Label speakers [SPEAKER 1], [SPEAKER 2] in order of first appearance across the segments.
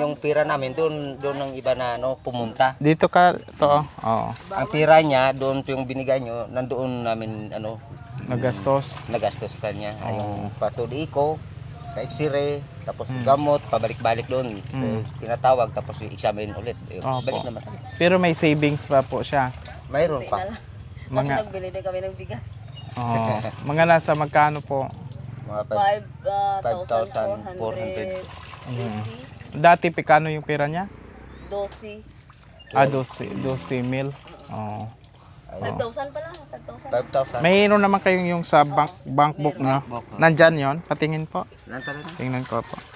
[SPEAKER 1] yung pira namin doon ng iba na ano pumunta.
[SPEAKER 2] Dito ka to. Oo.
[SPEAKER 1] Ang pira niya doon yung binigay nyo, nandoon namin ano
[SPEAKER 2] Nagastos.
[SPEAKER 1] nagastos kanya. Yung patuli ko, ka-X-ray, tapos gamot, pabalik-balik doon. Tinatawag tapos i-examine ulit.
[SPEAKER 2] Opo.
[SPEAKER 1] Balik naman.
[SPEAKER 2] Pero may savings pa po siya.
[SPEAKER 1] Mayroon pa.
[SPEAKER 2] Mga
[SPEAKER 3] Nagbili din kami ng bigas.
[SPEAKER 2] mga nasa magkano po?
[SPEAKER 1] Mga
[SPEAKER 3] 5,400.
[SPEAKER 2] Dati pikano yung pera niya?
[SPEAKER 3] 12.
[SPEAKER 2] 12 mil. Oo.
[SPEAKER 3] 5,000 pala. 5,000.
[SPEAKER 1] 5,000.
[SPEAKER 2] Mayroon naman kayong yung sa bank book na. Nandyan yon. Patingin po. Tingnan ko po.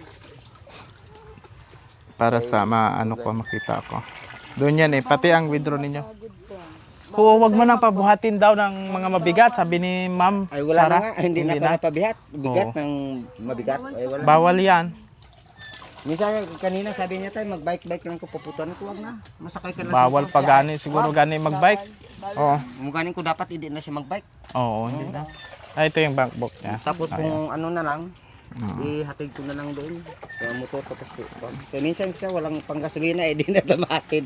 [SPEAKER 2] Para sa maano ko makita ko. Doon yan pati ang withdraw ninyo. Wag mo nang pabuhatin daw ng mga mabigat, sabi ni Ma'am
[SPEAKER 1] Ay wala
[SPEAKER 2] Sarah.
[SPEAKER 1] na nga, hindi na ako napabihat. Bigat ng mabigat. Ay wala.
[SPEAKER 2] Bawal yan.
[SPEAKER 1] Minsan kanina sabi niya tayo mag-bike lang ko paputuan ko wag na. Masakay ka na.
[SPEAKER 2] Bawal pa gani siguro gani magbike. Oo.
[SPEAKER 1] Mungkanin ko dapat hindi na siya mag-bike.
[SPEAKER 2] Oo, hindi na. Ito yung bank book niya.
[SPEAKER 1] Tapos kung ano na lang, ihatid ko na lang doon. Sa motor tapos kaya minsan siya walang panggasolina di na tumatid.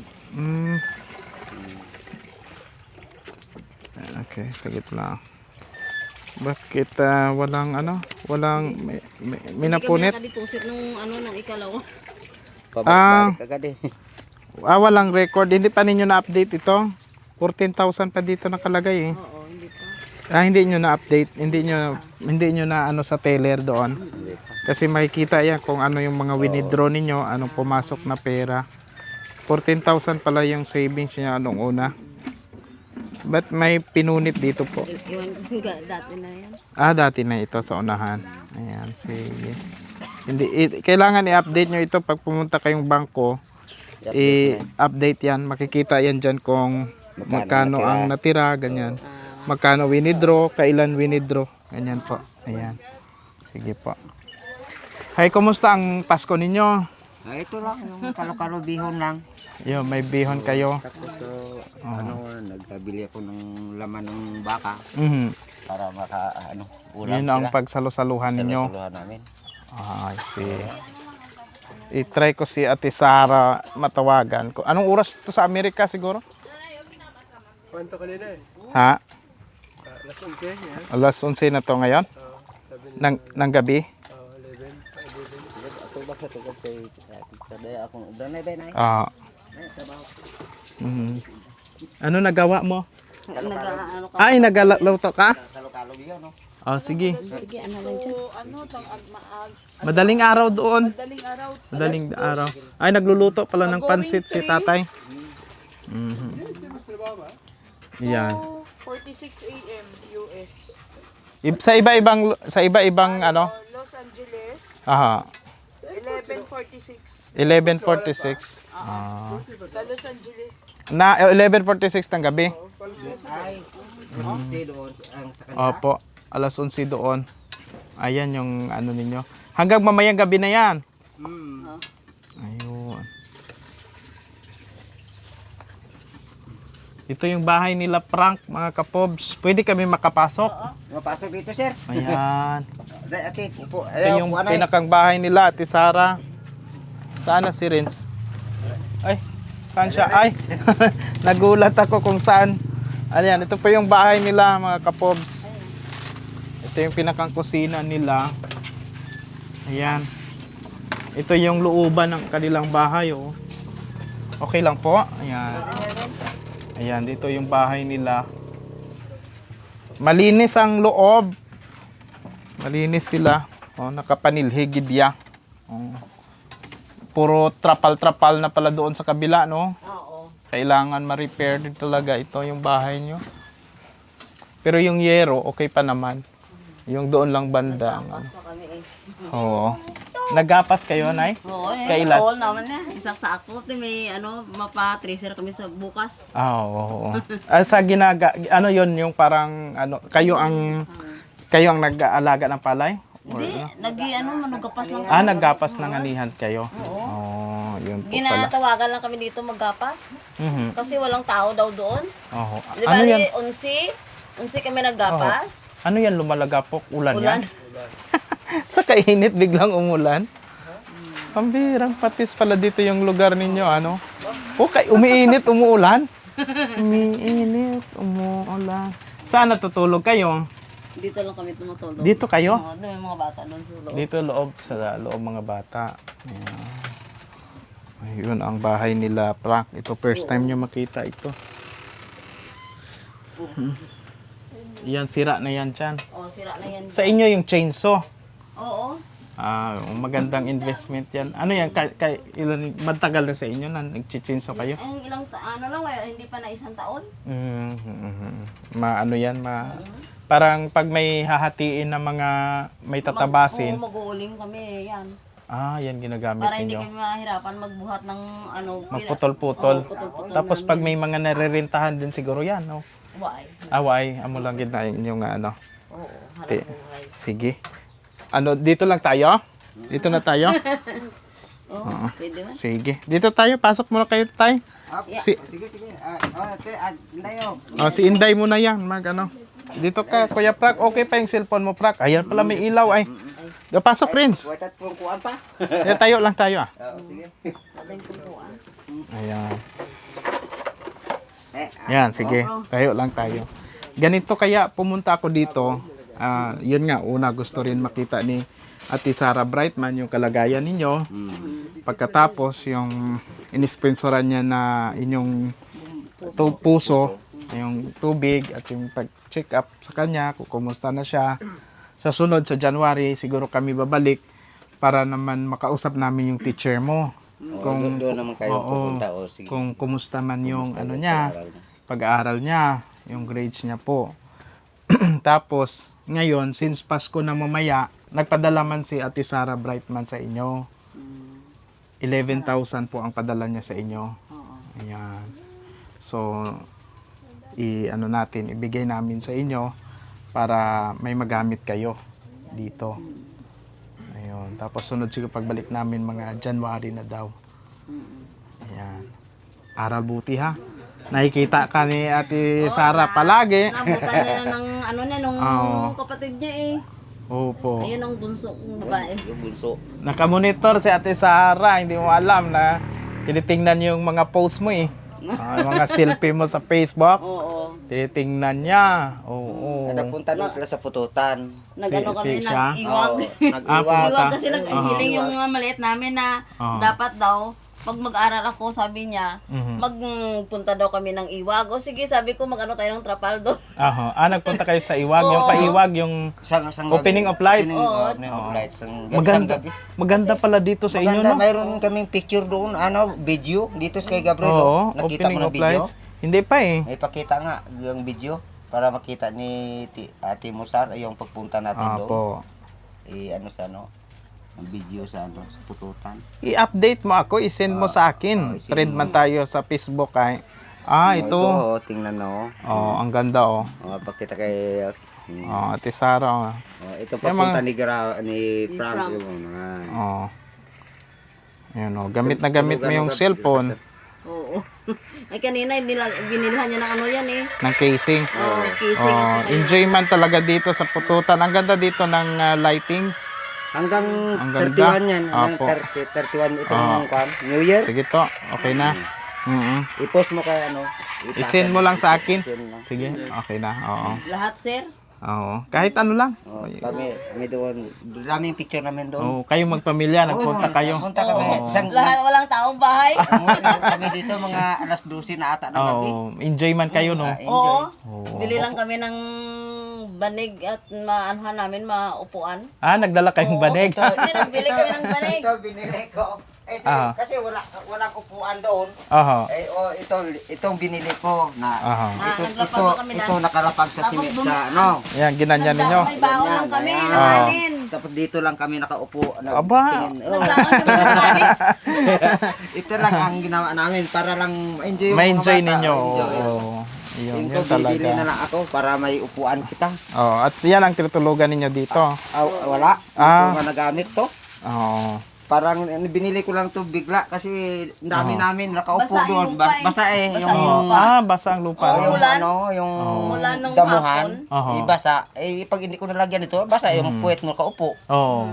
[SPEAKER 2] Okay, sagit lang. Bakit walang may napunit?
[SPEAKER 3] Hindi kami nakadeposit nung nung ikalawa.
[SPEAKER 1] Pabalik agad eh.
[SPEAKER 2] Walang record. Hindi pa ninyo na-update ito. 14,000 pa dito nakalagay eh.
[SPEAKER 3] Oo, hindi pa.
[SPEAKER 2] Hindi nyo na-update. Hindi nyo na ano sa teller doon. Kasi makikita yan kung ano yung mga winidraw ninyo, anong pumasok na pera. 14,000 pala yung savings niya anong una. But may pinunit dito po.
[SPEAKER 3] Iwan ko dati na yan.
[SPEAKER 2] Dati na ito sa unahan. Ayan, sige. Kailangan i-update nyo ito pag pumunta kayong bangko. I-update yan. Makikita yan dyan kung magkano ang natira, ganyan. Magkano winidraw, kailan winidraw. Ganyan po. Ayan. Sige po. Hay, kumusta ang Pasko ninyo?
[SPEAKER 1] Ito lang, yung kalo-kalo bihon lang.
[SPEAKER 2] Yo, may bihon kayo.
[SPEAKER 1] Tapos nagkabili ako ng laman ng baka para ulam
[SPEAKER 2] Yun
[SPEAKER 1] sila.
[SPEAKER 2] ang pagsalo-saluhan ninyo.
[SPEAKER 1] Saluhan namin.
[SPEAKER 2] I see. I-try ko si Ate Sara matawagan ko. Anong oras to sa Amerika siguro?
[SPEAKER 4] Kwento kanina eh.
[SPEAKER 2] Ha?
[SPEAKER 4] Alas 11 yan.
[SPEAKER 2] Alas 11 na to ngayon? Ng gabi?
[SPEAKER 4] 11.
[SPEAKER 1] Ako ba sa tugod kay Sadaya akong danay ba nay?
[SPEAKER 2] Ano nagawa mo?
[SPEAKER 3] Nag-ano ka?
[SPEAKER 2] Ay, nagluto ka?
[SPEAKER 1] Kalo-kalo bihon no.
[SPEAKER 2] Sige.
[SPEAKER 3] Sige, ano lang dyan.
[SPEAKER 2] Madaling araw doon. Madaling araw. Ay, nagluluto pala ng pansit si tatay. Yan.
[SPEAKER 5] 46 AM US.
[SPEAKER 2] Sa iba-ibang ano?
[SPEAKER 5] Los Angeles,
[SPEAKER 2] Aha.
[SPEAKER 5] 11:46.
[SPEAKER 2] 11:46.
[SPEAKER 5] Sa Los Angeles,
[SPEAKER 2] Na 11:46 ng gabi.
[SPEAKER 1] Ay, doon ang sa kanya.
[SPEAKER 2] Opo. Alas 11 doon. Ayan yung ano ninyo. Hanggang mamayang gabi na yan. Ayun. Ito yung bahay nila Frank, mga kapobs. Pwede kami makapasok.
[SPEAKER 1] Mapasok dito sir.
[SPEAKER 2] Ayan.
[SPEAKER 1] Okay, upo.
[SPEAKER 2] Ito yung pinakang bahay nila, Ate Sara. Saan na si Renz? Ay, saan siya? Ay, nagulat ako kung saan. Ayan, ito po yung bahay nila, mga kapobs. Ito yung pinakang kusina nila. Ayan. Ito yung looban ng kanilang bahay, oh. Okay lang po. Ayan. Ayan, dito yung bahay nila. Malinis ang loob. Malinis sila. Oh, nakapanilhigidya. Oh. Puro trapal-trapal na pala doon sa kabila, no?
[SPEAKER 3] Oo.
[SPEAKER 2] Kailangan ma-repair din talaga ito yung bahay nyo. Pero yung yero, okay pa naman. Yung doon lang banda.
[SPEAKER 3] Basta kami eh.
[SPEAKER 2] Oo. Nagapas kayo, Nay?
[SPEAKER 3] Oo,
[SPEAKER 2] Kailan?
[SPEAKER 3] all naman na. Isang sako. May mapa-tracer kami sa bukas.
[SPEAKER 2] Oo. Sa ano yon yung parang, kayo ang nag-aalaga ng palay? Or
[SPEAKER 3] Hindi, manugapas lang.
[SPEAKER 2] Naggapas ng anihan kayo? Oo. Yun po pala.
[SPEAKER 3] Ginatawagan lang kami dito maggapas. Kasi walang tao daw doon.
[SPEAKER 2] Oo.
[SPEAKER 3] Di
[SPEAKER 2] Ano
[SPEAKER 3] ba,
[SPEAKER 2] yan?
[SPEAKER 3] 11 kami naggapas.
[SPEAKER 2] Ano yan, lumalagapok? Ulan
[SPEAKER 3] Ulan.
[SPEAKER 2] yan? Sa kainit, biglang umulan? Pambirang patis pala dito yung lugar ninyo, ano? Okay, umiinit, umuulan. Umiinit, umuulan. Saan natutulog kayo?
[SPEAKER 3] Dito lang kami tumutulog.
[SPEAKER 2] Dito kayo?
[SPEAKER 3] Oo, doon yung mga bata doon sa loob.
[SPEAKER 2] Dito loob, sa loob mga bata. Ayan. Ayun ang bahay nila, Frank. Ito first time nyo makita ito. Yan, sira na yan dyan.
[SPEAKER 3] Oo, sira na yan.
[SPEAKER 2] Sa inyo yung chainsaw.
[SPEAKER 3] Oo.
[SPEAKER 2] Magandang investment yan. Ano yan, ilan, matagal na sa inyo na nag-chainsaw kayo?
[SPEAKER 3] Ang ilang ano lang, hindi pa na 1 taon.
[SPEAKER 2] Ano yan, parang pag may hahatiin na mga may tatabasin.
[SPEAKER 3] Mag-uuling kami, yan.
[SPEAKER 2] Yan ginagamit
[SPEAKER 3] Para hindi
[SPEAKER 2] ninyo.
[SPEAKER 3] kami mahirapan magbuhat ng ano.
[SPEAKER 2] Magputol-putol.
[SPEAKER 3] Oo, putol-putol
[SPEAKER 2] Tapos
[SPEAKER 3] ng-
[SPEAKER 2] pag may mga narerentahan din siguro yan, no?
[SPEAKER 3] Why?
[SPEAKER 2] Away, amo lang gid na inyong ano.
[SPEAKER 3] Oo,
[SPEAKER 2] Eh,
[SPEAKER 3] harap buhay.
[SPEAKER 2] Sige. Ano, dito lang tayo? Dito na tayo?
[SPEAKER 3] Oo, pwede man.
[SPEAKER 2] Sige. Dito tayo, pasok muna kayo tayo. Si,
[SPEAKER 1] Sige. Layo.
[SPEAKER 2] si Inday muna yan, ano. Dito ka, Kuya Prak. Okay pa yung cellphone mo, Prak. Ayan pala may ilaw ay. Pasok, Prince.
[SPEAKER 1] Watat pong kuan pa.
[SPEAKER 2] Tayo lang tayo ah.
[SPEAKER 1] Sige.
[SPEAKER 3] Ating kumpuan.
[SPEAKER 2] Ayan.
[SPEAKER 1] Eh,
[SPEAKER 2] Yan, sige. Tayo lang tayo. Ganito kaya pumunta ako dito. Yun nga, una gusto rin makita ni Ate Sarah Brightman yung kalagayan ninyo. Pagkatapos, yung inisponsoran niya na inyong puso, yung tubig at yung pag-check up sa kanya, kung kumusta na siya. Sa sunod, sa January, siguro kami babalik para naman makausap namin yung teacher mo. Kung
[SPEAKER 1] doon naman kayo
[SPEAKER 2] oo,
[SPEAKER 1] pupunta o sige.
[SPEAKER 2] kung kumusta man yung ano niya, pag-aaral niya, yung grades niya po. Tapos, ngayon, since Pasko na mamaya, nagpadala man si Ate Sarah Brightman sa inyo. 11,000 po ang padala niya sa inyo. Ayan. So, ano natin, ibigay namin sa inyo para may magamit kayo dito. Ayun. Tapos sunod siguro pagbalik namin mga January na daw. Ayan. Aral buti ha. Nakikita ka ni Ate Sarah palagi.
[SPEAKER 3] Nabutan niya ng ano niya, nung
[SPEAKER 2] Oo.
[SPEAKER 3] kapatid niya eh.
[SPEAKER 2] Opo.
[SPEAKER 3] Ayun ang bunso kong babae.
[SPEAKER 1] Yung bunso.
[SPEAKER 2] Nakamonitor si Ate Sarah. Hindi mo alam na tinitingnan yung mga post mo eh. Yung mga selfie mo sa Facebook.
[SPEAKER 3] Oo.
[SPEAKER 2] Tinitingnan niya. Oo.
[SPEAKER 1] Napunta doon sila sa pututan.
[SPEAKER 3] Nag-ano kami,
[SPEAKER 2] siya?
[SPEAKER 3] nag-iwag.
[SPEAKER 1] Nag-iwag.
[SPEAKER 3] Iwag kasi nag-hiling yung mga maliit namin na
[SPEAKER 2] Oo.
[SPEAKER 3] dapat daw, pag mag-aral ako, sabi niya,
[SPEAKER 2] Mhm.
[SPEAKER 3] magpunta daw kami ng Iwag. O sige, sabi ko, mag-ano tayo ng Trapaldo.
[SPEAKER 2] Nagpunta kayo sa Iwag. Yung sa Iwag, yung
[SPEAKER 1] Sang
[SPEAKER 2] Opening of lights.
[SPEAKER 1] Opening of lights. Ang
[SPEAKER 2] maganda.
[SPEAKER 1] gabi.
[SPEAKER 2] Maganda pala dito sa inyo,
[SPEAKER 1] Maganda,
[SPEAKER 2] no?
[SPEAKER 1] mayroon kaming picture doon, video, dito sa kay Gabriel.
[SPEAKER 2] Oo,
[SPEAKER 1] Nakita
[SPEAKER 2] opening
[SPEAKER 1] mo na
[SPEAKER 2] of
[SPEAKER 1] video?
[SPEAKER 2] lights. Hindi pa eh.
[SPEAKER 1] May pakita nga yung video para makita ni Ate Musar yung pagpunta natin doon.
[SPEAKER 2] Apo.
[SPEAKER 1] Ano sa ano, ang video sa ano, sa pututan.
[SPEAKER 2] I-update mo ako, i-send mo sa akin. Thread man tayo sa Facebook ay. Ito.
[SPEAKER 1] Ito, tingnan mo.
[SPEAKER 2] Ang ganda oh.
[SPEAKER 1] Pakita kay
[SPEAKER 2] Ate Sarah.
[SPEAKER 1] ito papunta ni Frank
[SPEAKER 3] Frank.
[SPEAKER 1] yung mga
[SPEAKER 2] Ayan oh, gamit na gamit mo yung cellphone
[SPEAKER 3] Oo. Ay kanina, binilhan niya ng ano yan eh.
[SPEAKER 2] ng casing.
[SPEAKER 3] Oo, kissing.
[SPEAKER 2] Enjoy man talaga dito sa pututan. Ang ganda dito ng lightings.
[SPEAKER 1] hanggang
[SPEAKER 2] Ang ganda.
[SPEAKER 1] 31 yan, hanggang
[SPEAKER 2] Apo.
[SPEAKER 1] 31 itong New Year.
[SPEAKER 2] Sige to, okay na.
[SPEAKER 1] I-post mo kay ano,
[SPEAKER 2] I-send mo lang sa akin.
[SPEAKER 1] i-send lang.
[SPEAKER 2] Sige, okay na. Oo.
[SPEAKER 3] Lahat, sir.
[SPEAKER 2] Oo. Kahit ano lang.
[SPEAKER 1] Kami doon, daming picture namin doon.
[SPEAKER 2] Kayong magpamilya, nagpunta kayo.
[SPEAKER 1] Punta kami. Isang
[SPEAKER 3] Lahat, walang taong bahay.
[SPEAKER 1] kami dito mga alas 12 na ata ng gabi.
[SPEAKER 2] Enjoy man kayo, no?
[SPEAKER 1] Enjoy.
[SPEAKER 3] Oo. Bili lang kami ng banig at maanuhan namin, maupuan.
[SPEAKER 2] Nagdala kayong banig.
[SPEAKER 3] Hindi, nagbili kami ng banig.
[SPEAKER 1] Ito binili ko. Kasi walang upuan doon.
[SPEAKER 2] Oho.
[SPEAKER 1] Itong binili ko na
[SPEAKER 3] naglapag na kami
[SPEAKER 1] ito nakalapag sa
[SPEAKER 3] Tapos
[SPEAKER 1] sa ano.
[SPEAKER 2] Yan, ginanyan ninyo.
[SPEAKER 3] May baon lang kami,
[SPEAKER 1] Ayan.
[SPEAKER 3] nakanin.
[SPEAKER 1] Tapos dito lang kami nakaupo.
[SPEAKER 2] Aba.
[SPEAKER 3] Naglaon kami ng banig.
[SPEAKER 1] Ito lang ang ginawa namin para lang enjoy yung
[SPEAKER 2] Ma-enjoy
[SPEAKER 1] mga bata.
[SPEAKER 2] ninyo.
[SPEAKER 1] Enjoy.
[SPEAKER 2] Oo. Yun,
[SPEAKER 1] Yung
[SPEAKER 2] yun
[SPEAKER 1] ko bibili
[SPEAKER 2] talaga.
[SPEAKER 1] na lang ako para may upuan kita.
[SPEAKER 2] At yan ang tinutulugan ninyo dito.
[SPEAKER 1] Wala. Hindi ko nagamit to.
[SPEAKER 2] Oo.
[SPEAKER 1] Parang binili ko lang to bigla kasi ang dami namin nakaupo
[SPEAKER 3] Basa yung
[SPEAKER 1] doon.
[SPEAKER 3] lupa eh.
[SPEAKER 1] Basa eh.
[SPEAKER 3] Basa
[SPEAKER 1] Yung
[SPEAKER 3] yung lupa.
[SPEAKER 2] Basa ang lupa.
[SPEAKER 3] Oo.
[SPEAKER 1] yung
[SPEAKER 3] Ulan.
[SPEAKER 1] ano, yung
[SPEAKER 3] Ulan nung
[SPEAKER 1] damuhan,
[SPEAKER 2] hapon.
[SPEAKER 1] ibasa. Pag hindi ko nalagyan ito, basa yung puwet mo kaupo.
[SPEAKER 2] Oo.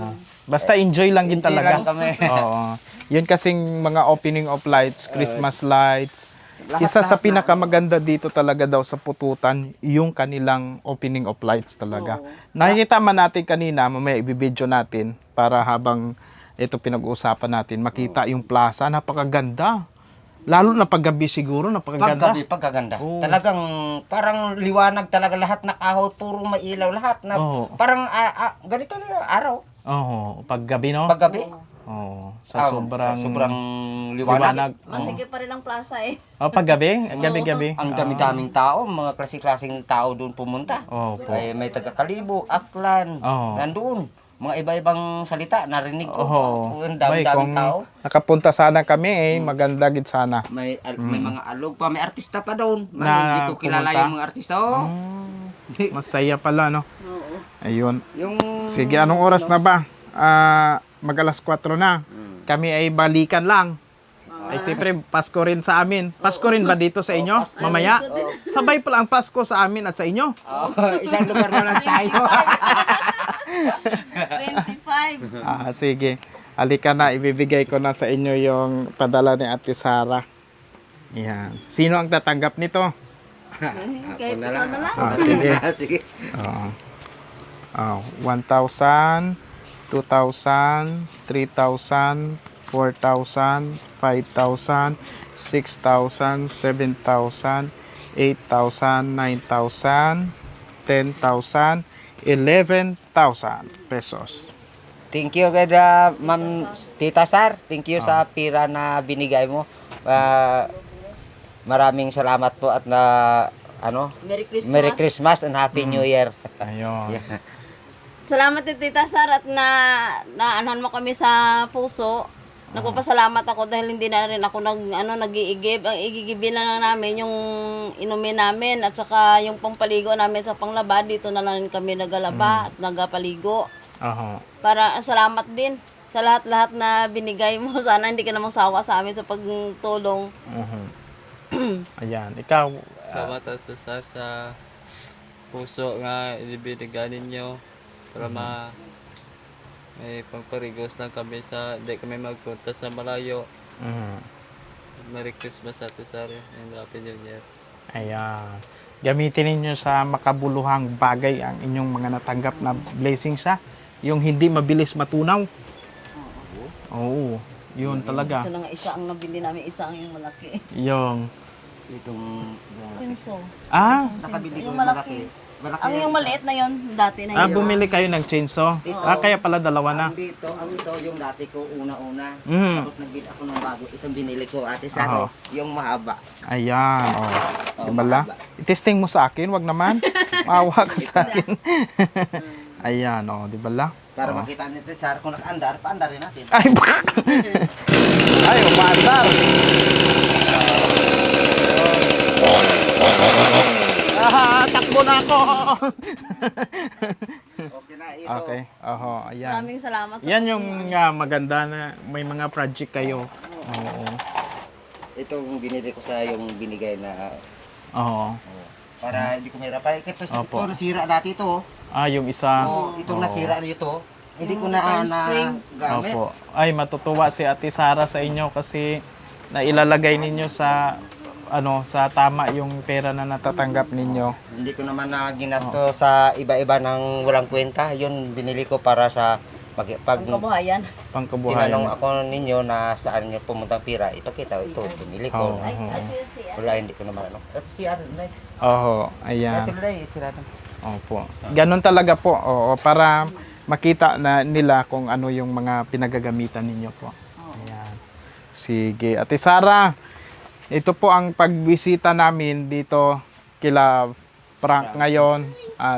[SPEAKER 2] Basta enjoy lang din
[SPEAKER 1] Hindi
[SPEAKER 2] talaga.
[SPEAKER 1] lang kami.
[SPEAKER 2] Oo. Yun kasing mga opening of lights, Christmas lights.
[SPEAKER 1] Lahat-
[SPEAKER 2] Isa sa
[SPEAKER 1] lahat na.
[SPEAKER 2] pinakamaganda dito talaga daw sa Pututan, yung kanilang opening of lights talaga. Nakikita man natin kanina, mamaya ibibideo natin para habang ito pinag-uusapan natin, makita yung plaza, napakaganda. Lalo na paggabi siguro, napakaganda.
[SPEAKER 1] Paggabi, pagkaganda.
[SPEAKER 2] Oo.
[SPEAKER 1] Talagang parang liwanag talaga lahat na kahoy, puro mailaw lahat na
[SPEAKER 2] Oo.
[SPEAKER 1] parang ganito na araw.
[SPEAKER 2] Oo, paggabi no?
[SPEAKER 1] Paggabi.
[SPEAKER 2] Oo, sa sobrang,
[SPEAKER 1] sobrang liwanag.
[SPEAKER 3] Masigit pa rin ang plaza eh.
[SPEAKER 2] Oh, paggabi, gabi-gabi.
[SPEAKER 1] Ang dami-daming tao, mga klase-klaseng tao doon pumunta.
[SPEAKER 2] Oo po.
[SPEAKER 1] Ay, may taga-Kalibo, Aklan,
[SPEAKER 2] Oo.
[SPEAKER 1] nandoon. Mga iba-ibang salita, narinig ko.
[SPEAKER 2] Oo.
[SPEAKER 1] Ang
[SPEAKER 2] Bay, kung
[SPEAKER 1] dami-daming tao.
[SPEAKER 2] nakapunta sana kami maganda gid sana.
[SPEAKER 1] May mga alog pa, may artista pa doon.
[SPEAKER 2] Na
[SPEAKER 1] Hindi ko kilala
[SPEAKER 2] pumunta?
[SPEAKER 1] yung mga artista. Oh.
[SPEAKER 2] Masaya pala, no?
[SPEAKER 3] Oo.
[SPEAKER 2] Ayun.
[SPEAKER 1] Yung
[SPEAKER 2] Sige, anong oras na ba? Mag alas 4 na. Kami ay balikan lang. Ay siyempre, Pasko rin sa amin. Pasko rin ba dito sa inyo? Mamaya? Sabay pala ang Pasko sa amin at sa inyo.
[SPEAKER 1] isang lugar na lang tayo.
[SPEAKER 3] 25.
[SPEAKER 2] Sige. Halika na, ibibigay ko na sa inyo yung padala ni Ate Sara. Yan. Sino ang tatanggap nito?
[SPEAKER 3] Kahit ikaw na lang.
[SPEAKER 2] Sige.
[SPEAKER 1] Sige.
[SPEAKER 2] 1,000, 2,000, 3,000, 4,000, 5,000, 6,000, 7,000, 8,000, 9,000, 10,000, 11,000 pesos.
[SPEAKER 1] Thank you kay Ma'am Tita Sar. Thank you sa pira na binigay mo. Maraming salamat po at na Merry Christmas and Happy New Year.
[SPEAKER 2] Ayun.
[SPEAKER 3] Salamat din Tita Sar at naanahan mo kami sa puso. Nagpapasalamat ako dahil hindi na rin ako nag-iigib. Ang igigibin na lang namin yung inumin namin at saka yung pangpaligo namin sa panglaba. Dito na lang kami nagalaba at nagapaligo.
[SPEAKER 2] Aha.
[SPEAKER 3] Para salamat din sa lahat-lahat na binigay mo. Sana hindi ka namang sawa sa amin sa pagtulong.
[SPEAKER 2] Ayan, ikaw.
[SPEAKER 6] Salamat sa puso nga ibinigay ninyo para may pangparigos lang kami sa di kami magpunta sa malayo. Merry Christmas Ate Sara and Happy New Year.
[SPEAKER 2] Ayan. Gamitin ninyo sa makabuluhang bagay ang inyong mga natanggap na blessings ha. Yung hindi mabilis matunaw. Oo. Yun talaga.
[SPEAKER 3] Ito na nga isa ang nabili namin, isa ang yung malaki.
[SPEAKER 2] Yung.
[SPEAKER 1] Itong
[SPEAKER 3] Sinso.
[SPEAKER 1] nakabili ko
[SPEAKER 3] Yung
[SPEAKER 1] yung
[SPEAKER 3] malaki.
[SPEAKER 1] malaki.
[SPEAKER 3] Ang yung maliit na yon dati na yun.
[SPEAKER 2] Bumili kayo ng chainsaw. Kaya pala dalawa na.
[SPEAKER 1] Ang ito yung dati ko una-una.
[SPEAKER 2] Mm.
[SPEAKER 1] Tapos nagbili ako ng bago. Itong binili ko Ate Sar. Yung mahaba.
[SPEAKER 2] Ayan. Oh. Diba? I-testing mo sa akin, wag naman. Maawa ka sa akin. Ayan, di ba?
[SPEAKER 1] Para makita ni Ate Sar kung nakaandar, paandarin natin.
[SPEAKER 2] Ay, ay, umaandar. Takbo na ako.
[SPEAKER 1] Okay na ito.
[SPEAKER 2] Okay. Ayan.
[SPEAKER 3] Maraming salamat sa
[SPEAKER 2] Yan yung maganda na may mga project kayo. Oo.
[SPEAKER 1] Itong binili ko sa yung binigay na
[SPEAKER 2] Oo.
[SPEAKER 1] para hindi ko mahirapan. Ito
[SPEAKER 2] Opo.
[SPEAKER 1] nasira dati ito.
[SPEAKER 2] Yung isa.
[SPEAKER 1] Itong nasira nito. Hindi ko na gamit.
[SPEAKER 2] Opo. Ay, matutuwa si Ate Sara sa inyo kasi nailalagay ninyo sa sa tama yung pera na natatanggap ninyo.
[SPEAKER 1] Hindi ko naman na ginasto sa iba-iba ng walang kwenta. Yun binili ko para sa pag
[SPEAKER 3] pangkabuhayan.
[SPEAKER 2] Pangkabuhayan.
[SPEAKER 1] tinanong ako ninyo na saan nyo pumuntang pira. Ito binili ko. Wala, hindi ko naman Ito si Nay.
[SPEAKER 2] Ayan.
[SPEAKER 1] Kasi Nay, sira na.
[SPEAKER 2] Opo. Ganon talaga po. Para makita na nila kung ano yung mga pinagagamitan ninyo po. Ayan. Sige. Ate Sara, ito po ang pagbisita namin dito kila Frank ngayon at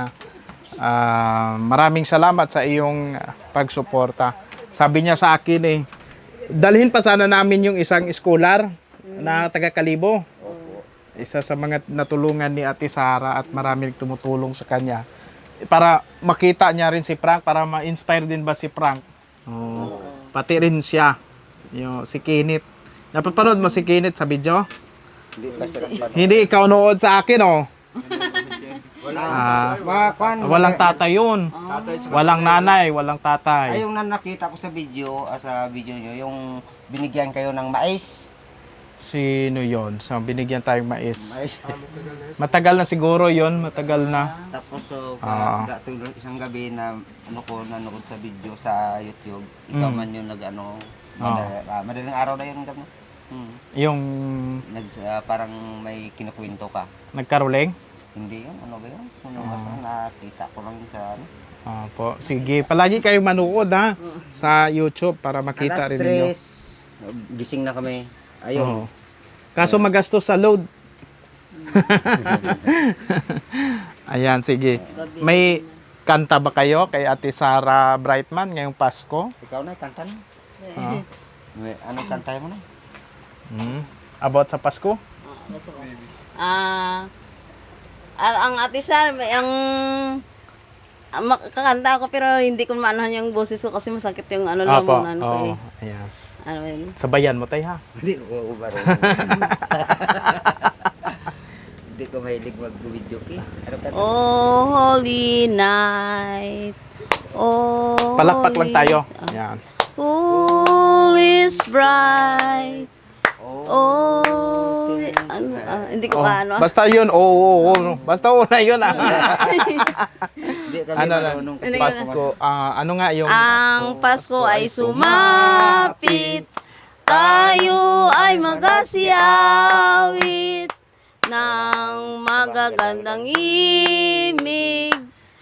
[SPEAKER 2] maraming salamat sa iyong pagsuporta. Sabi niya sa akin dalhin pa sana namin yung isang scholar na taga Kalibo. Isa sa mga natulungan ni Ate Sara at maraming tumutulong sa kanya. Para makita niya rin si Frank, para ma-inspire din ba si Frank. Pati rin siya. Si Kenneth. Napapanood mo si Kenneth sa video?
[SPEAKER 1] Hindi pa sila pa.
[SPEAKER 2] Hindi ikaw nood sa akin Walang tatay yun. Walang nanay, walang tatay.
[SPEAKER 1] Ay, yung na nakita ko sa video nyo, yung binigyan kayo ng mais.
[SPEAKER 2] Sino yon? So, binigyan tayong mais.
[SPEAKER 1] Mais.
[SPEAKER 2] Matagal na siguro yon, matagal na.
[SPEAKER 1] Tapos so,
[SPEAKER 2] Ah.
[SPEAKER 1] tulog isang gabi na nanood sa video sa YouTube. Ikaw man yung madaling araw na yun gabi.
[SPEAKER 2] Yung
[SPEAKER 1] Parang may kinukwento ka.
[SPEAKER 2] nagkaruling?
[SPEAKER 1] Hindi yun, ano ba yun? Basta nakita ko lang sa
[SPEAKER 2] Po. Sige, palagi kayong manood ha sa YouTube para makita rin ninyo.
[SPEAKER 1] Gising na kami.
[SPEAKER 2] Oo.
[SPEAKER 1] Ayun.
[SPEAKER 2] Kaso magastos sa load. Ayan, sige. May kanta ba kayo kay Ate Sara Brightman ngayong Pasko?
[SPEAKER 1] Ikaw na, kanta na.
[SPEAKER 2] Ah.
[SPEAKER 1] Anong kanta mo na?
[SPEAKER 2] About sa Pasko?
[SPEAKER 3] Ang Ate Sara, kakanta ako pero hindi ko maanahan yung boses ko kasi masakit yung lamunan ko eh.
[SPEAKER 2] Ayan.
[SPEAKER 3] Ano yun?
[SPEAKER 2] Sabayan mo tayo ha.
[SPEAKER 1] Hindi ko marunong. Hindi ko mahilig mag-video eh. Ano kanta?
[SPEAKER 3] Oh, holy night. Oh,
[SPEAKER 2] Palakpak lang
[SPEAKER 3] holy-
[SPEAKER 2] tayo. Ayan.
[SPEAKER 3] Who is bright? Oh, hindi ko ano.
[SPEAKER 2] Basta yun, oo. Basta una yun ah.
[SPEAKER 1] Hindi kami
[SPEAKER 2] Ano na,
[SPEAKER 1] marunong kasi
[SPEAKER 2] Pasko, ano nga yung...
[SPEAKER 3] Ang Pasko ay sumapit, tayo ay magasiawit ng magagandang imig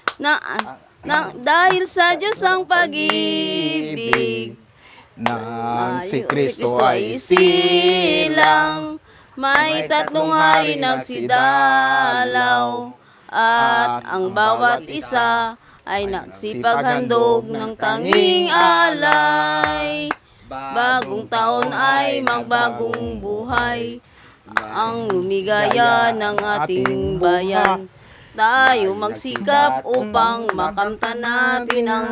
[SPEAKER 3] dahil sa Diyos ang pag-ibig.
[SPEAKER 2] Nang si Kristo ay silang, may tatlong hari nagsidalaw, at ang bawat isa ay nagsipaghandog ng tanging alay. Bagong taon ay magbagong buhay, ang lumigaya ng ating bayan. Tayo magsikap upang makamtan natin ang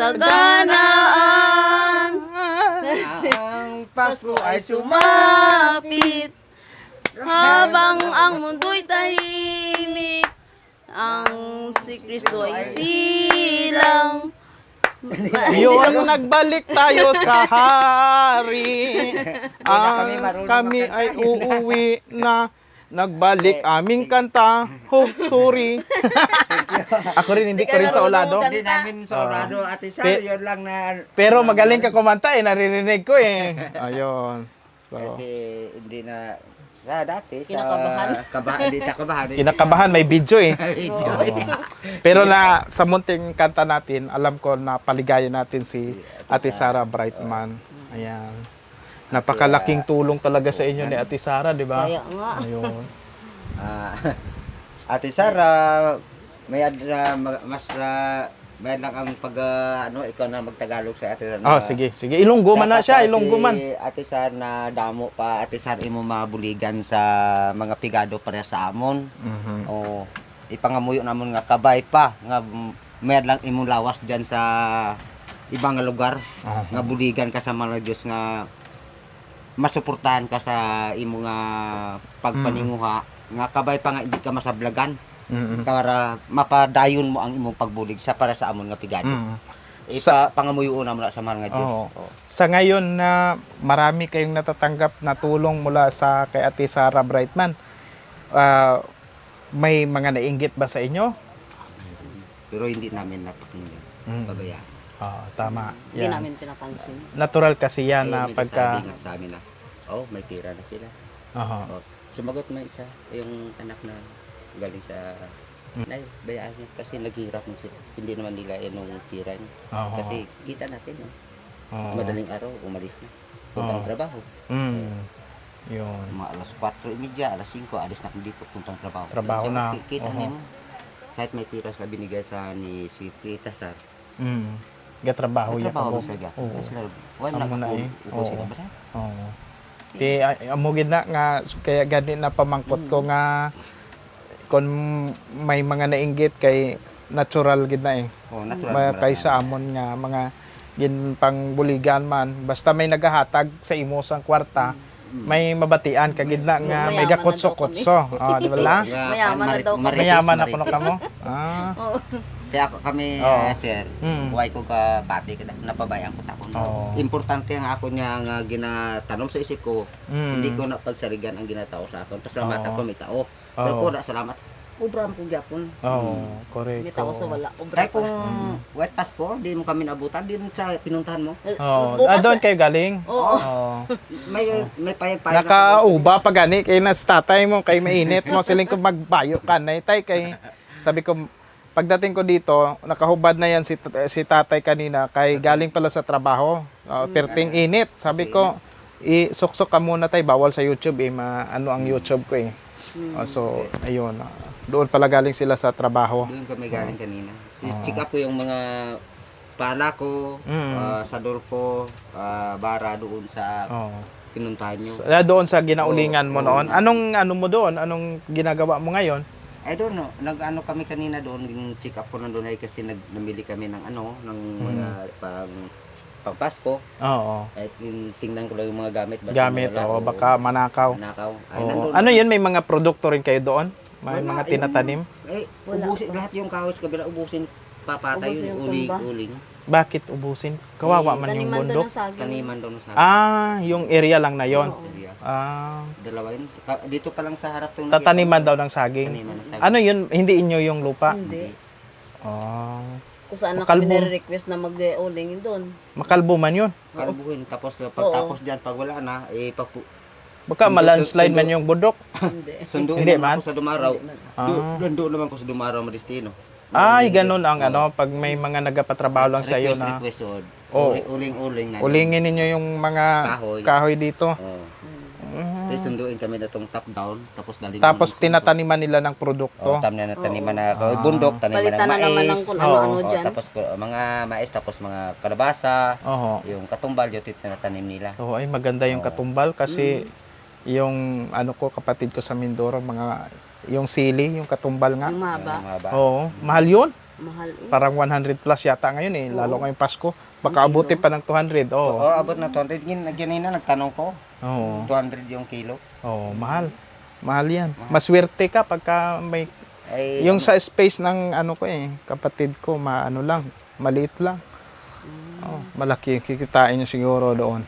[SPEAKER 2] kasaganaan.
[SPEAKER 1] ang Pasko ay
[SPEAKER 3] Sumapit habang ang mundo'y tahimik, ang si Kristo ay silang.
[SPEAKER 2] Yun, nagbalik tayo sa hari.
[SPEAKER 1] kami marunong
[SPEAKER 2] Kami
[SPEAKER 1] magkanta.
[SPEAKER 2] ay uuwi na. Nagbalik aming kanta. Oh, sorry. Ako rin, hindi ko rin sa ulado.
[SPEAKER 1] Hindi namin sa Orado, Ate Sara, yun lang na...
[SPEAKER 2] Pero magaling ka kumanta eh, naririnig ko eh. Ayun. So,
[SPEAKER 1] Kasi hindi na... Sa dati,
[SPEAKER 3] Kinakabahan.
[SPEAKER 1] Hindi kabahan.
[SPEAKER 2] kinakabahan, may video eh.
[SPEAKER 1] Video.
[SPEAKER 2] Pero na sa munting kanta natin, alam ko na paligaya natin si Ate Sara Brightman. Ayan. Napakalaking tulong talaga sa inyo ni Ate Sara, di ba?
[SPEAKER 3] Kaya nga.
[SPEAKER 2] Ayun.
[SPEAKER 1] Ate Sara, may lang ang ikaw na magtagalog sa Ate Sara.
[SPEAKER 2] Oh, sige. Ilonggo man na siya, ilonggo man.
[SPEAKER 1] Si Ate Sara na damo pa, Ate Sara imo mabuligan sa mga pigado para sa amon. O ipangamuyo namon nga kabay pa nga may lang imo lawas diyan sa ibang lugar nga buligan ka sa mga Diyos nga masuportahan ka sa imo nga pagpaninguha nga kabay pa nga hindi ka masablagan para mapadayon mo ang imong pagbulig sa para sa amon nga pigado. Pangamuyo na mo sa mga Diyos.
[SPEAKER 2] Oo. Sa ngayon na marami kayong natatanggap na tulong mula sa kay Ate Sara Brightman, may mga nainggit ba sa inyo?
[SPEAKER 1] Pero hindi namin napakinggan. Pabayaan.
[SPEAKER 2] Tama.
[SPEAKER 3] Hindi
[SPEAKER 2] Yan.
[SPEAKER 3] namin pinapansin.
[SPEAKER 2] Natural kasi yan na
[SPEAKER 1] May
[SPEAKER 2] pagka...
[SPEAKER 1] nagsasabi nga sa amin na, may tira na sila.
[SPEAKER 2] Aha.
[SPEAKER 1] Sumagot na isa, yung anak na galing sa nay, bayaan niya kasi naghirap na sila. Hindi naman nila yung tira niya.
[SPEAKER 2] Oo.
[SPEAKER 1] Kasi kita natin,
[SPEAKER 2] Oo.
[SPEAKER 1] madaling araw, umalis na. Puntang
[SPEAKER 2] Oo.
[SPEAKER 1] trabaho.
[SPEAKER 2] Yun.
[SPEAKER 1] Mga alas 4:30, alas 5, alis na kami dito, puntang trabaho.
[SPEAKER 2] Trabaho na.
[SPEAKER 1] Kita
[SPEAKER 2] Oo.
[SPEAKER 1] niyo, kahit may tira sa binigay sa ni si Tita Sar.
[SPEAKER 2] Gatrabaho yan.
[SPEAKER 1] Trabaho mo sila.
[SPEAKER 2] Oo.
[SPEAKER 1] Wala
[SPEAKER 2] Amo na eh.
[SPEAKER 1] upo sila
[SPEAKER 2] Oo.
[SPEAKER 1] ba?
[SPEAKER 2] Oo. Ti amugid na nga kaya gani na pamangkot ko nga kung may mga nainggit kay natural gid na eh.
[SPEAKER 1] Natural.
[SPEAKER 2] Kaysa amon nga mga gin pangbuligan man basta may nagahatag sa imo sang kwarta may mabatian kagidna nga may
[SPEAKER 3] Mayaman na
[SPEAKER 2] gakutso-kutso. Oh, di ba la?
[SPEAKER 3] Mayaman na daw kami.
[SPEAKER 2] Mayaman na kuno kamo. Ah.
[SPEAKER 3] Oo.
[SPEAKER 1] Kaya ako kami,
[SPEAKER 2] Oo.
[SPEAKER 1] sir,
[SPEAKER 2] Mm.
[SPEAKER 1] buhay ko ka pati, napabayaan ko tapon.
[SPEAKER 2] Oo.
[SPEAKER 1] Importante ang ako niya nga ginatanom sa isip ko,
[SPEAKER 2] Mm.
[SPEAKER 1] hindi ko na pagsarigan ang ginatao sa akin. Pasalamat
[SPEAKER 2] Oo.
[SPEAKER 1] ako, may tao. Pero
[SPEAKER 2] Oo.
[SPEAKER 1] ko na salamat, ubra mo ko gyapon.
[SPEAKER 2] Oh, correct.
[SPEAKER 3] May tao sa wala.
[SPEAKER 1] Kaya kung wet pass ko, di mo kami nabutan, di mo sa pinuntahan mo.
[SPEAKER 2] Oh,
[SPEAKER 3] Bukas,
[SPEAKER 2] doon kayo galing.
[SPEAKER 3] Oo.
[SPEAKER 2] Oh.
[SPEAKER 1] May payag-payag
[SPEAKER 2] Nakauba pa gani kay nas tatay mo kay mainit mo siling ko magbayo ka na tay kay sabi ko pagdating ko dito nakahubad na yan si tatay kanina kay galing pala sa trabaho. Perting init. Sabi ko isuksok ka muna tay bawal sa YouTube ano ang YouTube ko eh. So ayun. Doon pala galing sila sa trabaho.
[SPEAKER 1] Doon kami galing kanina. Check up ko yung mga pala ko, sador ko, bara doon sa
[SPEAKER 2] Oh.
[SPEAKER 1] pinuntahan nyo.
[SPEAKER 2] Doon sa ginaulingan mo noon. Anong ano mo doon? Anong ginagawa mo ngayon?
[SPEAKER 1] I don't know. Nag-ano kami kanina doon, yung check up ko nandun ay kasi namili kami ng ng mga pang Pasko.
[SPEAKER 2] Oo.
[SPEAKER 1] At tingnan ko lang yung mga gamit. Basta
[SPEAKER 2] Gamit
[SPEAKER 1] wala
[SPEAKER 2] o
[SPEAKER 1] o
[SPEAKER 2] baka manakaw.
[SPEAKER 1] Manakaw. Ay,
[SPEAKER 2] Oo.
[SPEAKER 1] nandun.
[SPEAKER 2] Ano yun? May mga produkto rin kayo doon? May
[SPEAKER 1] Wala,
[SPEAKER 2] mga
[SPEAKER 1] yung-
[SPEAKER 2] tinatanim?
[SPEAKER 1] Ubusin lahat yung kahoy sa kabila, ubusin papatay
[SPEAKER 3] Ubusin
[SPEAKER 1] yung
[SPEAKER 3] yung tumba.
[SPEAKER 1] uling.
[SPEAKER 2] Bakit ubusin? Kawawa man yung
[SPEAKER 3] Taniman doon
[SPEAKER 2] bundok.
[SPEAKER 3] ng saging.
[SPEAKER 1] Taniman doon sa
[SPEAKER 2] Yung area lang na yon.
[SPEAKER 1] area.
[SPEAKER 2] Ah,
[SPEAKER 1] Dalawa yun. Dito pa lang sa harap tong
[SPEAKER 2] tataniman daw ng saging.
[SPEAKER 1] Taniman ng saging.
[SPEAKER 2] Ano yun? Hindi inyo yung lupa?
[SPEAKER 3] Hindi.
[SPEAKER 2] Ah,
[SPEAKER 3] Kung saan na
[SPEAKER 2] Makalbo.
[SPEAKER 3] kami nire-request na mag-uling doon.
[SPEAKER 2] makalbo man yun.
[SPEAKER 1] Kalbuhin. Tapos pagtapos dyan, pag wala na,
[SPEAKER 2] Baka malandslide man yung bundok.
[SPEAKER 3] Hindi.
[SPEAKER 1] sunduin
[SPEAKER 2] Hindi
[SPEAKER 1] naman
[SPEAKER 2] man?
[SPEAKER 1] ako sa Dumaraw.
[SPEAKER 2] Ah.
[SPEAKER 1] Doon naman ko sa Dumaraw, Maristino.
[SPEAKER 2] Ay, ganun ang ano, pag may mga nagapatrabaho lang sa iyo na
[SPEAKER 1] Request,
[SPEAKER 2] Oo.
[SPEAKER 1] Uling-uling na.
[SPEAKER 2] ulingin ninyo yung mga kahoy dito.
[SPEAKER 1] Oo. Tapos sunduin kami na itong top down, tapos dalhin
[SPEAKER 2] Tapos tinataniman nila ng produkto.
[SPEAKER 1] tam na taniman na bundok, taniman ng
[SPEAKER 3] Palitan na naman ng
[SPEAKER 1] mais.
[SPEAKER 3] kung ano-ano
[SPEAKER 1] Oo,
[SPEAKER 3] dyan.
[SPEAKER 1] tapos mga mais, tapos mga kalabasa,
[SPEAKER 2] Oo.
[SPEAKER 1] yung katumbal, yung tinatanim nila.
[SPEAKER 2] Oo, ay maganda yung katumbal kasi yung ano ko kapatid ko sa Mindoro mga yung sili, yung katumbal nga.
[SPEAKER 3] Yung mahaba.
[SPEAKER 1] Yung mahaba.
[SPEAKER 2] Oo, mahal 'yun.
[SPEAKER 3] Mahal.
[SPEAKER 2] Parang 100 plus yata ngayon eh, lalo ngayong Pasko. Baka abuti pa ng 200.
[SPEAKER 1] Oo,
[SPEAKER 2] Oo.
[SPEAKER 1] abot na 200. Ganina, nagtanong ko,
[SPEAKER 2] Oo.
[SPEAKER 1] 200 yung kilo.
[SPEAKER 2] Oo, mahal. Mahal 'yan. Maswerte ka pagka may
[SPEAKER 1] Ay,
[SPEAKER 2] yung sa space ng ano ko eh, kapatid ko, maano lang, maliit lang. Oh, malaki yung kikitain niya siguro doon.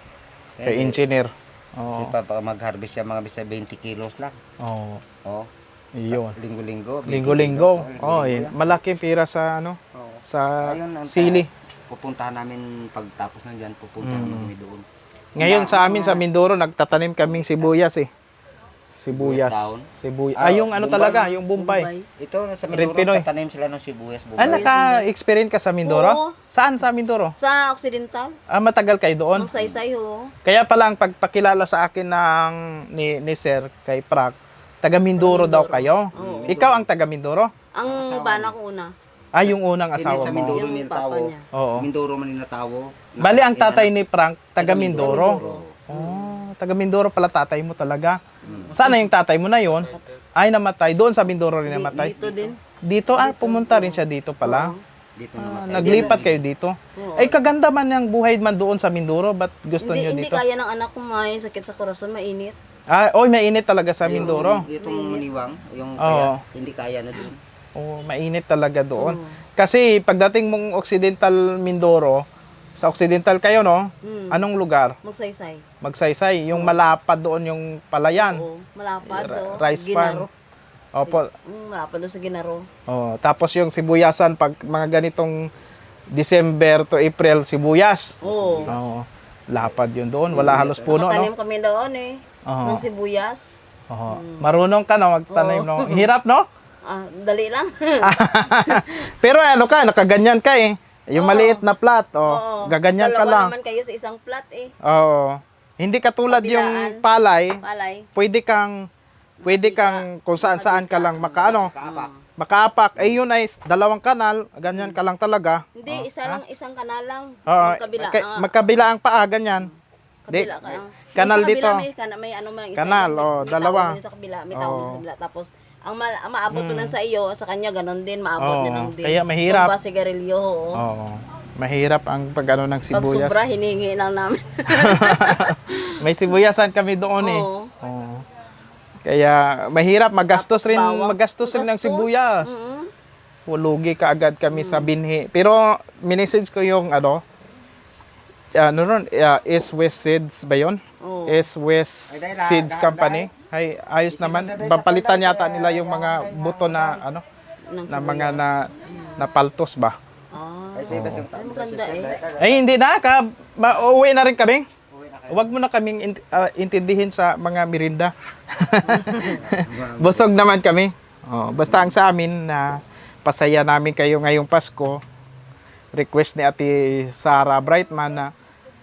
[SPEAKER 2] Kay engineer.
[SPEAKER 1] Kasi
[SPEAKER 2] Oo.
[SPEAKER 1] pa mag-harvest siya mga bisa 20 kilos lang.
[SPEAKER 2] Oo.
[SPEAKER 1] Oo.
[SPEAKER 2] Iyon.
[SPEAKER 1] Linggo-linggo. 20
[SPEAKER 2] Linggo-linggo.
[SPEAKER 1] kilos.
[SPEAKER 2] Oh,
[SPEAKER 1] Linggo-linggo yan.
[SPEAKER 2] malaking pira sa ano,
[SPEAKER 1] Oo.
[SPEAKER 2] sa
[SPEAKER 1] Ayun,
[SPEAKER 2] sili.
[SPEAKER 1] Pupuntahan namin pagtapos na dyan, pupuntahan namin doon.
[SPEAKER 2] Ngayon sa amin sa Mindoro nagtatanim kaming sibuyas eh. Sibuyas.
[SPEAKER 1] Sibuyas
[SPEAKER 2] Sibuyas.
[SPEAKER 1] Ah,
[SPEAKER 2] Yung ano
[SPEAKER 1] Bombay.
[SPEAKER 2] talaga, yung Bombay.
[SPEAKER 1] Ito, sa
[SPEAKER 2] Red
[SPEAKER 1] Mindoro,
[SPEAKER 2] Pinoy.
[SPEAKER 1] tatanim sila ng sibuyas.
[SPEAKER 2] Ah,
[SPEAKER 1] Bombay.
[SPEAKER 2] naka-experience ka sa Mindoro?
[SPEAKER 3] Oo.
[SPEAKER 2] Saan sa Mindoro?
[SPEAKER 3] Sa Occidental,
[SPEAKER 2] Matagal kayo doon?
[SPEAKER 3] magsaysay ho.
[SPEAKER 2] Kaya pala ang pagpakilala sa akin ng ni Sir kay Prak, taga Mindoro daw kayo. Ikaw ang taga Mindoro?
[SPEAKER 3] Ang bana ko una.
[SPEAKER 2] Yung unang
[SPEAKER 1] Hindi
[SPEAKER 2] asawa
[SPEAKER 1] sa
[SPEAKER 2] mo.
[SPEAKER 1] Mindoro
[SPEAKER 3] Yung
[SPEAKER 1] ninatawo.
[SPEAKER 3] papa niya.
[SPEAKER 2] Oo.
[SPEAKER 1] Mindoro man ninatawo.
[SPEAKER 2] Bali ang tatay ni Frank, taga Mindoro.
[SPEAKER 1] Mindoro.
[SPEAKER 2] Oh, taga Mindoro pala tatay mo talaga. Sana yung tatay mo na yon ay namatay. Doon sa Mindoro rin namatay.
[SPEAKER 3] Dito din.
[SPEAKER 2] Dito, pumunta rin siya dito pala.
[SPEAKER 1] Dito naman.
[SPEAKER 2] Naglipat kayo dito. Ay, kaganda man ng buhay man doon sa Mindoro. Ba't gusto
[SPEAKER 3] Hindi,
[SPEAKER 2] niyo
[SPEAKER 3] hindi
[SPEAKER 2] dito?
[SPEAKER 3] kaya ng anak ko may sakit sa korason, mainit.
[SPEAKER 2] Mainit talaga sa Mindoro.
[SPEAKER 1] Itong muniwang, yung
[SPEAKER 2] Oo.
[SPEAKER 1] kaya, hindi kaya na doon.
[SPEAKER 2] Oh, mainit talaga doon. Kasi pagdating mong Occidental Mindoro, sa Occidental kayo, no? Anong lugar?
[SPEAKER 3] Magsaysay.
[SPEAKER 2] Magsaysay. Yung malapad doon yung palayan.
[SPEAKER 3] Oo, malapad do.
[SPEAKER 2] Rice
[SPEAKER 3] Ginaro.
[SPEAKER 2] farm. Opo.
[SPEAKER 3] Malapad do sa Ginaro.
[SPEAKER 2] Oh, tapos yung sibuyasan pag mga ganitong December to April sibuyas.
[SPEAKER 3] Oo.
[SPEAKER 2] Oo. Lapad yun doon. Wala halos puno,
[SPEAKER 3] Nakatanim
[SPEAKER 2] no?
[SPEAKER 3] kami doon eh.
[SPEAKER 2] Oo.
[SPEAKER 3] Ng sibuyas.
[SPEAKER 2] Oo. Marunong ka na magtanim, no? Hirap, no?
[SPEAKER 3] Dali lang.
[SPEAKER 2] Pero ano ka, nakaganyan ka eh. Yung maliit na plat,
[SPEAKER 3] Oo.
[SPEAKER 2] gaganyan ka
[SPEAKER 3] Dalawa
[SPEAKER 2] lang.
[SPEAKER 3] naman kayo sa isang plat eh.
[SPEAKER 2] Oo. Hindi katulad yung palay,
[SPEAKER 3] Palay.
[SPEAKER 2] pwede kang kung saan-saan ka lang makaapak. Eh yun ay dalawang kanal, ganyan ka lang talaga.
[SPEAKER 3] Hindi, isang kanal lang.
[SPEAKER 2] Oo.
[SPEAKER 3] Magkabila.
[SPEAKER 2] Magkabila ang paa, ganyan.
[SPEAKER 3] Kabila ka.
[SPEAKER 2] Kanal
[SPEAKER 3] Yung sa kabila,
[SPEAKER 2] dito.
[SPEAKER 3] may ano man isa.
[SPEAKER 2] Kanal,
[SPEAKER 3] may
[SPEAKER 2] dalawa.
[SPEAKER 3] tao din sa kabila, may tao din sa kabila. Tapos ang maabot mo lang sa iyo, sa kanya ganon din,
[SPEAKER 2] Oo,
[SPEAKER 3] maabot din ang din.
[SPEAKER 2] kaya mahirap.
[SPEAKER 3] Tumba sigarilyo, oo.
[SPEAKER 2] Oo. Mahirap ang pag-ano ng
[SPEAKER 3] Pag
[SPEAKER 2] sibuyas.
[SPEAKER 3] sobra, hiningi lang namin.
[SPEAKER 2] May sibuyasan kami doon eh.
[SPEAKER 3] Oo.
[SPEAKER 2] Oo. Kaya mahirap, magastos rin,
[SPEAKER 3] Bawang.
[SPEAKER 2] magastos rin ng
[SPEAKER 3] Magastos.
[SPEAKER 2] sibuyas.
[SPEAKER 3] Mm.
[SPEAKER 2] Lugi ka agad kami sa binhi. Pero minisage ko yung ano ron, East West Seeds ba yun?
[SPEAKER 3] Oo.
[SPEAKER 2] East West Seeds Company. Ay, ayos naman. Papalitan yata nila yung mga buto na ano,
[SPEAKER 3] Ng
[SPEAKER 2] na mga na paltos ba?
[SPEAKER 3] Ah,
[SPEAKER 1] Ay, sige,
[SPEAKER 3] ay, maganda eh.
[SPEAKER 2] Ay, hindi na. Uuwi na rin kami. Huwag mo na kaming intindihin sa mga merinda. Busog naman kami. Oh, basta ang sa amin na pasaya namin kayo ngayong Pasko. Request ni Ate Sarah Brightman na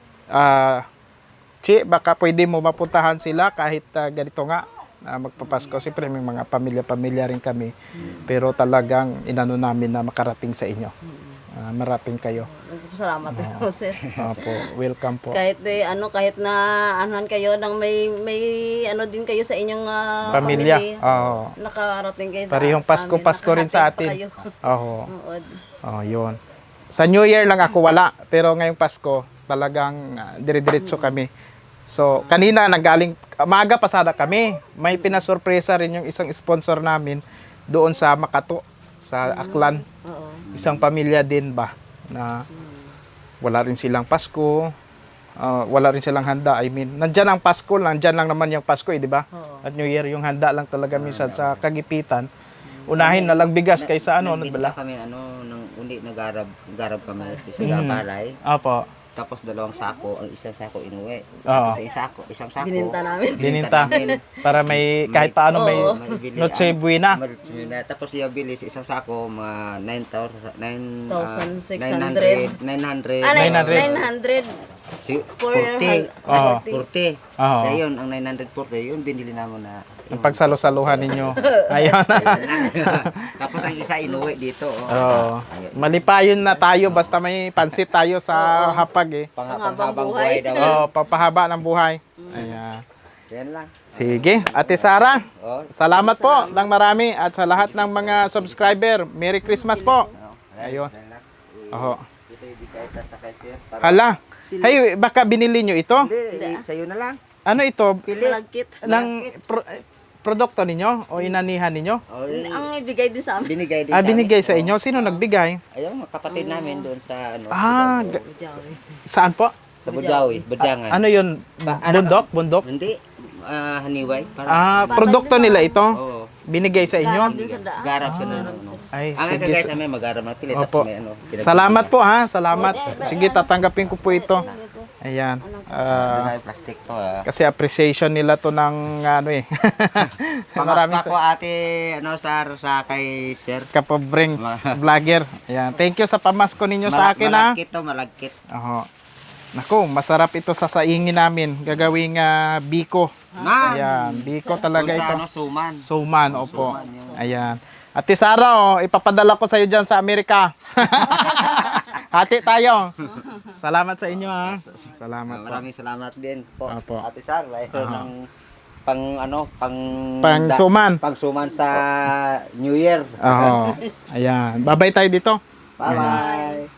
[SPEAKER 2] Chi, baka pwede mo mapuntahan sila kahit ganito nga magpapasko. Siyempre may mga pamilya-pamilya rin kami. Pero talagang inano namin na makarating sa inyo. Marating kayo.
[SPEAKER 3] Salamat din po, sir.
[SPEAKER 2] Opo, welcome po.
[SPEAKER 3] Kahit kahit na anuhan kayo ng may ano din kayo sa inyong
[SPEAKER 2] Pamilya.
[SPEAKER 3] family.
[SPEAKER 2] Oo.
[SPEAKER 3] Nakarating kayo
[SPEAKER 2] Parehong
[SPEAKER 3] sa
[SPEAKER 2] Pasko,
[SPEAKER 3] amin.
[SPEAKER 2] Pasko rin sa
[SPEAKER 3] Nakahatid pa
[SPEAKER 2] atin.
[SPEAKER 3] kayo.
[SPEAKER 2] Oo.
[SPEAKER 3] Oo.
[SPEAKER 2] Oh, yun. Sa New Year lang ako wala, pero ngayong Pasko talagang dire-diretso kami. So, kanina nagaling maaga pasada kami. May pinasurpresa rin yung isang sponsor namin doon sa Makato, sa Aklan.
[SPEAKER 3] Oo.
[SPEAKER 2] Isang pamilya din ba na wala rin silang Pasko, wala rin silang handa. I mean, nandiyan ang Pasko, nandiyan lang naman yung Pasko, di ba?
[SPEAKER 3] Oo.
[SPEAKER 2] At New Year yung handa lang talaga minsan sa kagipitan. Unahin na lang bigas kaysa ano,
[SPEAKER 1] Nagbinta
[SPEAKER 2] bala.
[SPEAKER 1] kami, nang undi, garab kami sa balay.
[SPEAKER 2] Opo.
[SPEAKER 1] Tapos 2 sako, ang isang sako inuwi.
[SPEAKER 2] Oo.
[SPEAKER 1] Tapos isang sako.
[SPEAKER 3] Bininta namin.
[SPEAKER 2] Dininta.
[SPEAKER 1] namin.
[SPEAKER 2] Para may kahit paano may
[SPEAKER 3] Oo.
[SPEAKER 1] Maibili
[SPEAKER 2] Noche Buena.
[SPEAKER 1] Tapos yung bili sa isang sako, mga
[SPEAKER 3] 9,600.
[SPEAKER 1] 900.
[SPEAKER 3] Ah,
[SPEAKER 2] 900.
[SPEAKER 3] 900.
[SPEAKER 1] Si,
[SPEAKER 3] For
[SPEAKER 1] 40.
[SPEAKER 2] Oo.
[SPEAKER 1] 40.
[SPEAKER 2] Oo.
[SPEAKER 1] Kaya yun, ang 940, yun binili namin na.
[SPEAKER 2] Ang pagsalo-saluhan ninyo. Ayun.
[SPEAKER 1] Tapos ang isa inuwi dito.
[SPEAKER 2] Oo. Malipayon na tayo basta may pansit tayo sa hapag eh.
[SPEAKER 1] Panghabang buhay daw.
[SPEAKER 2] Oo, papahaba ng buhay. Ayan.
[SPEAKER 1] Yan lang.
[SPEAKER 2] Sige, Ate Sarah.
[SPEAKER 1] Oh,
[SPEAKER 2] Salamat po ng marami at sa lahat ng mga subscriber. Merry Christmas po. Ayun.
[SPEAKER 1] yan lang.
[SPEAKER 2] Oho.
[SPEAKER 1] Ito ibigay ta sa cashier. Para
[SPEAKER 2] Hala. Hey, baka binili nyo ito?
[SPEAKER 1] hindi, sa'yo na lang.
[SPEAKER 2] Ano ito?
[SPEAKER 3] Malagkit.
[SPEAKER 2] Ng produkto ninyo o inanihan ninyo?
[SPEAKER 1] Oh,
[SPEAKER 3] Ang ibigay din sa amin.
[SPEAKER 1] binigay din
[SPEAKER 2] Binigay sa inyo. Sino nagbigay?
[SPEAKER 1] Ayun, mga kapatid namin doon sa ano.
[SPEAKER 2] Saan po?
[SPEAKER 1] Sa Bujawi, Budyangan.
[SPEAKER 2] Ano yun? Bundok? Bundok?
[SPEAKER 1] Hindi, haniway. Para,
[SPEAKER 2] Produkto nila ito?
[SPEAKER 1] oo.
[SPEAKER 2] Binigay sa
[SPEAKER 3] Garap
[SPEAKER 2] inyo?
[SPEAKER 3] din sa daan.
[SPEAKER 1] Garap sa ano.
[SPEAKER 2] Ay,
[SPEAKER 1] Ang
[SPEAKER 2] sige.
[SPEAKER 1] kagaya sa amin, mag-garap na pilit.
[SPEAKER 2] Opo.
[SPEAKER 1] Tapos may ano.
[SPEAKER 2] Salamat po ha. Salamat. Sige, tatanggapin ko po ito. Ayan.
[SPEAKER 1] Plastic to ah.
[SPEAKER 2] Kasi appreciation nila to ng ano eh.
[SPEAKER 1] Pangaspa ko ate, sa kay sir.
[SPEAKER 2] kapobreng vlogger. Ayan. Thank you sa pamasko ninyo sa akin ha.
[SPEAKER 1] Malagkit to, malagkit.
[SPEAKER 2] Oho. Naku, masarap ito sa saingin namin. Gagawing biko.
[SPEAKER 1] Man!
[SPEAKER 2] Ayan, biko talaga
[SPEAKER 1] Kung sa
[SPEAKER 2] ito.
[SPEAKER 1] ano, suman.
[SPEAKER 2] Suman, opo.
[SPEAKER 1] Suman yun.
[SPEAKER 2] Ayan. Ate Sarah, ipapadala ko sa iyo diyan sa Amerika. Hati tayo. Salamat sa inyo ha. Salamat po.
[SPEAKER 1] Maraming salamat din po.
[SPEAKER 2] Opo.
[SPEAKER 1] Ate Sar, mayroon ng
[SPEAKER 2] Pang suman.
[SPEAKER 1] Pang suman sa New Year.
[SPEAKER 2] Oo. Ayan. Babay tayo dito.
[SPEAKER 1] Bye-bye.